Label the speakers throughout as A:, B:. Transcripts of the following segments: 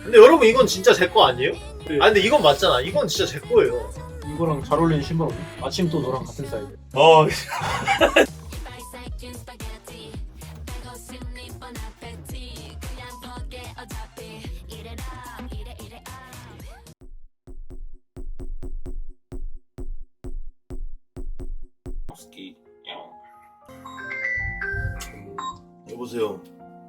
A: 근데 여러분 이건 진짜 제 거 아니에요? 아 근데 이건 맞잖아. 이건 진짜 제 거예요.
B: 이거랑 잘 어울리는 신발 없니? 아침 또 너랑 같은 사이즈.
C: 여보세요.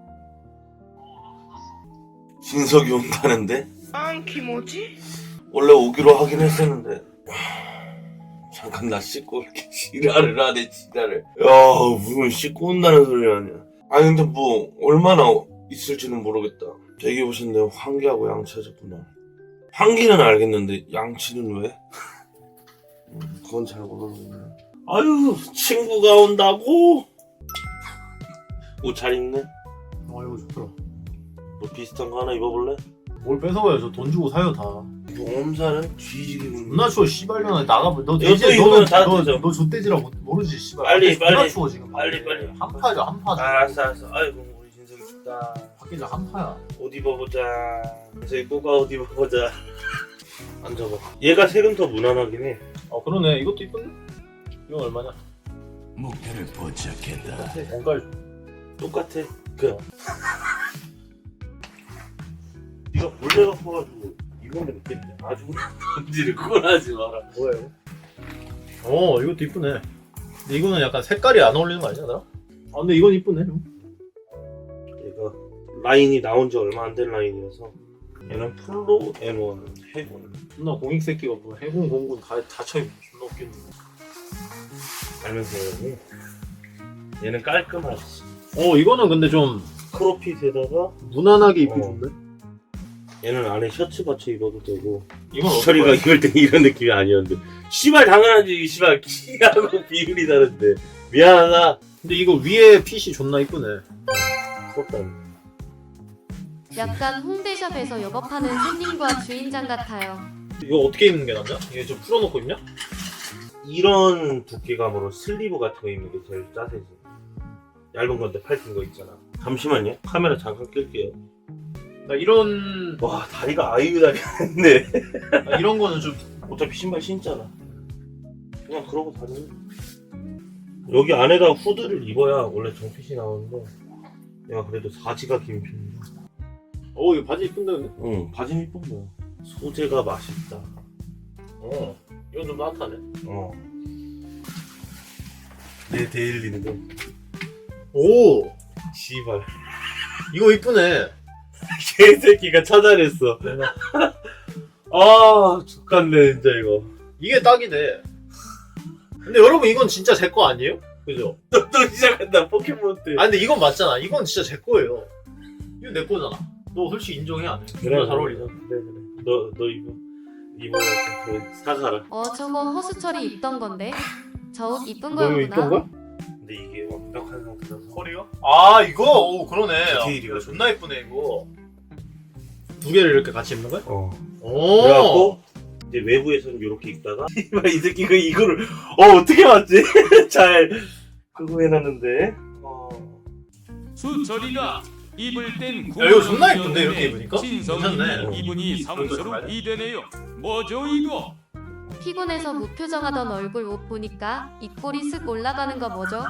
C: 진석이 온다는데?
D: 뭐지?
C: 원래 오기로 하긴 했었는데. 잠깐 나 씻고 올게. 지랄을 하네 지랄을. 야 무슨 씻고 온다는 소리 하냐. 아니 근데 뭐 얼마나 있을지는 모르겠다. 대기 보셨는데 환기하고 양치하셨구나. 환기는 알겠는데 양치는 왜? 그건 잘 모르겠네. 아유 친구가 온다고? 옷 잘 입네?
B: 이거 좋더라.
C: 뭐 비슷한 거 하나 입어볼래?
B: 뭘 뺏어가요? 저 돈 주고 사요 다.
C: 몸살은 뒤지게 묻네.
B: 존나 추워 씨발년아. 나가면 너
C: 이거
B: 이제
C: 입으면 다 되죠.
B: 너 좆대지라 모르지 씨발.
C: 빨리,
B: 밖에 존나
C: 빨리.
B: 추워 지금.
C: 빨리.
B: 한파죠 한파.
C: 알았어. 아이고 우리 진석이 춥다.
B: 밖에 한파야.
C: 옷 입어보자. 저기 꼬가 옷 입어보자. 앉아봐. 얘가 색은 더 무난하긴 해.
B: 그러네. 이것도 이쁜데? 이건 얼마냐?
E: 목표를 포착했다.
B: 원가를
C: 똑같아. 네가 몰래 갖고 가지고 이건 느꼈네. 아주 던지를 꼴하지 마라.
B: 뭐예요?
A: 이것도 이쁘네. 근데 이거는 약간 색깔이 안 어울리는 거 아니야, 나?
B: 근데 이건 이쁘네.
C: 얘가 라인이 나온 지 얼마 안 된 라인이어서 얘는 풀로 M1 해군.
B: 존나 공익 새끼가 뭐 해군 공군 다 쳐입고 존나 웃기는.
C: 알면서 얘는 깔끔하지.
A: 이거는 근데 좀
C: 크롭핏에다가
A: 무난하게 입기 좋네.
C: 얘는 안에 셔츠 받쳐 입어도 되고.
B: 이건
C: 철이가 입을 때 이런 느낌이 아니었는데 씨발 당연하지. 씨발 키하고 비율이 다른데 미안하다.
A: 근데 이거 위에 핏이 존나 이쁘네.
C: 부럽다.
F: 약간 홍대샵에서 영업하는 손님과 주인장 같아요.
A: 이거 어떻게 입는 게 낫냐? 이게 좀 풀어놓고 입냐?
C: 이런 두께감으로 슬리브 같은 거 입는 게 제일 짜세지. 얇은 건데 팔긴 거 있잖아. 잠시만요. 카메라 잠깐 끌게요.
A: 나 이런
C: 와 다리가 아이유 다리인데.
A: 이런 거는 좀
C: 어차피 신발 신잖아. 그냥 그러고 다니는. 여기 안에다 후드를 입어야 원래 정핏이 나오는데 내가 그래도 사지가 긴 편이야.
A: 이거 바지 이쁜데 근데?
C: 응 바지는 이쁜 거야. 소재가 맛있다.
A: 이건 좀 따뜻하네.
C: 내 데일리인데
A: 오,
C: 씨발
A: 이거 이쁘네.
C: 개새끼가 찾아냈어. 아 죽겠네 진짜 이거.
A: 이게 딱이네. 근데 여러분 이건 진짜 제 거 아니에요? 그죠?
C: 또 시작한다 포켓몬 때.
A: 아 근데 이건 맞잖아. 이건 진짜 제 거예요. 이거 내 거잖아. 너 솔직히 인정해 안 해? 존나 잘 어울리잖아.
C: 그래. 너 이거 사가라.
F: 저거 허수철이 입던 건데. 저 옷 이쁜
A: 너 이거 입던
F: 거였구나.
A: 거야?
C: 근데 이게 완벽한 상태라서.
A: 허리가? 아 이거? 오 그러네.
C: 디테일이가
A: 존나 이쁘네 이거. 두 개를 이렇게 같이 입는 거야? 오.
C: 그래갖고 이제 외부에서는 이렇게 입다가 이 새끼가 이거를 어떻게 맞지? 잘 그거 해놨는데.
E: 수철이가 입을 땐
A: 야, 이거 존나 예쁜데, 이렇게 입으니까?
E: 진성이는
A: 괜찮네.
E: 이분이 성스러운 이되네요. 뭐죠 이거?
F: 피곤해서 무표정하던 얼굴 옷 보니까 입꼬리 쓱 올라가는 거 뭐죠?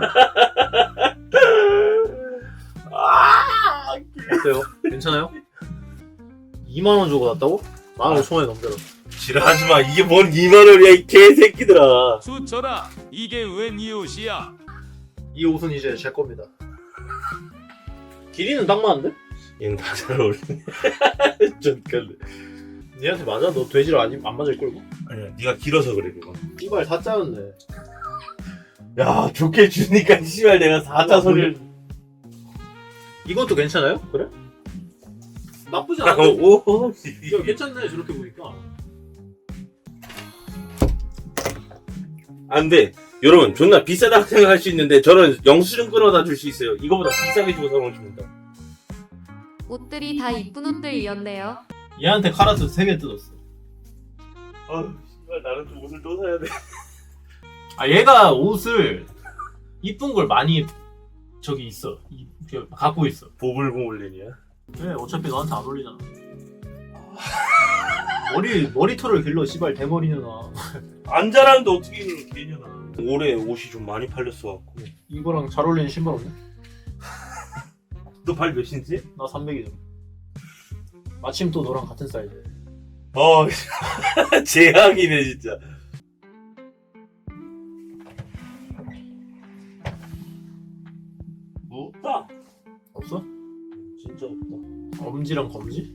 A: 어때요? 괜찮아요? 2만원 주고 샀다고? 15,000원에 넘겨라.
C: 지랄하지마. 이게 뭔 2만원이야 이 개새끼들아.
E: 수철아 이게 웬 이웃이야?
A: 이 옷은 이제 제 겁니다. 길이는 딱 맞는데?
C: 얘는 다 잘 어울리네. 좀 깔래.
A: 니한테 맞아? 너 돼지를 안 맞을 걸고?
C: 아니야 네가 길어서 그래 그거.
A: 이발 사짜였네.
C: 야 좋게 주니까 씨발 내가 4자 소리를.
A: 이것도 괜찮아요? 그래? 나쁘지
C: 아,
A: 않아.
C: 오.
A: 야 괜찮네 저렇게 보니까.
C: 안돼. 여러분 존나 비싸다고 생각할 수 있는데 저는 영수증 끊어다 줄 수 있어요. 이거보다 비싸게 주고 사면 줍니다.
F: 옷들이 다 이쁜 옷들이었네요.
A: 얘한테 카라트 3개 뜯었어.
C: 아우 씨발 나는 좀 옷을 또 사야 돼.
A: 아 얘가 옷을 이쁜 걸 많이 저기 있어. 갖고 있어.
C: 보블보블린이야.
A: 그래 어차피 너한테 안 어울리잖아. 머리털을 길러 씨발 대머리누나.
C: 안 자라는데 어떻게 이걸 개냐나. 올해 옷이 좀 많이 팔렸어 갖고.
A: 이거랑 잘 어울리는 신발 없네?
C: 너 발 몇인지?
A: 나 300이잖아. 마침 또 너랑 같은 사이즈.
C: 재앙이네 진짜. 뭐 없다.
A: 없어?
C: 진짜 없다.
A: 엄지랑 검지?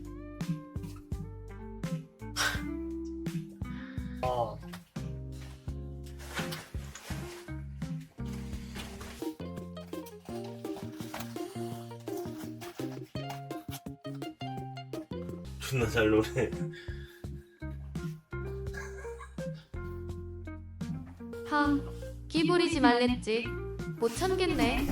A: 아.
C: 존나 잘 노래.
F: 끼 부리지 말랬지. 못 참겠네.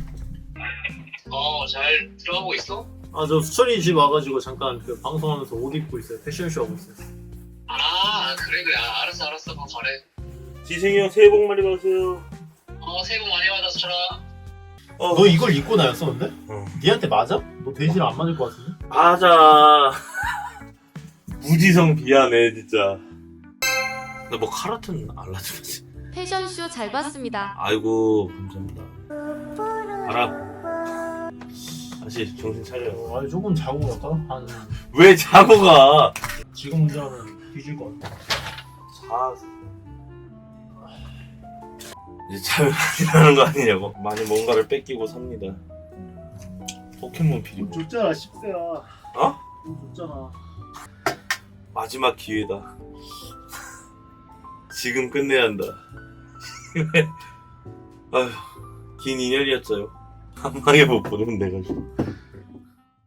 D: 잘 들어가고 있어?
A: 아, 저 수철이 집 와가지고 잠깐 그 방송하면서 옷 입고 있어요. 패션쇼 하고 있어요.
D: 그래. 알았어. 그럼 잘해.
C: 지승이 형 새해 복 많이 받으세요.
D: 새해 복 많이 받아, 수철아.
A: 너 이걸 입고 다녔었는데?
C: 어.
A: 니한테 맞아? 너 돼지랑 안 맞을 것 같은데?
C: 맞아. 무지성 미안해 진짜. 나 뭐 카라튼 알라주지.
F: 패션쇼 잘 봤습니다.
C: 아이고 감사합니다. 알아. 다시 정신 차려.
A: 아니 조금 자고 갈까? 한
C: 왜 자고 가?
A: 지금 운전하면 뒤질 것 같아.
C: 자. 이제 잠이 많이 나는 거 아니냐고. 많이 뭔가를 뺏기고 삽니다. 포켓몬 필요.
A: 줬잖아 10세야.
C: 어?
A: 줬잖아.
C: 마지막 기회다. 지금 끝내야 한다. 아휴, 긴 인연이었어요. 한 방에 못 보는 내가 좀.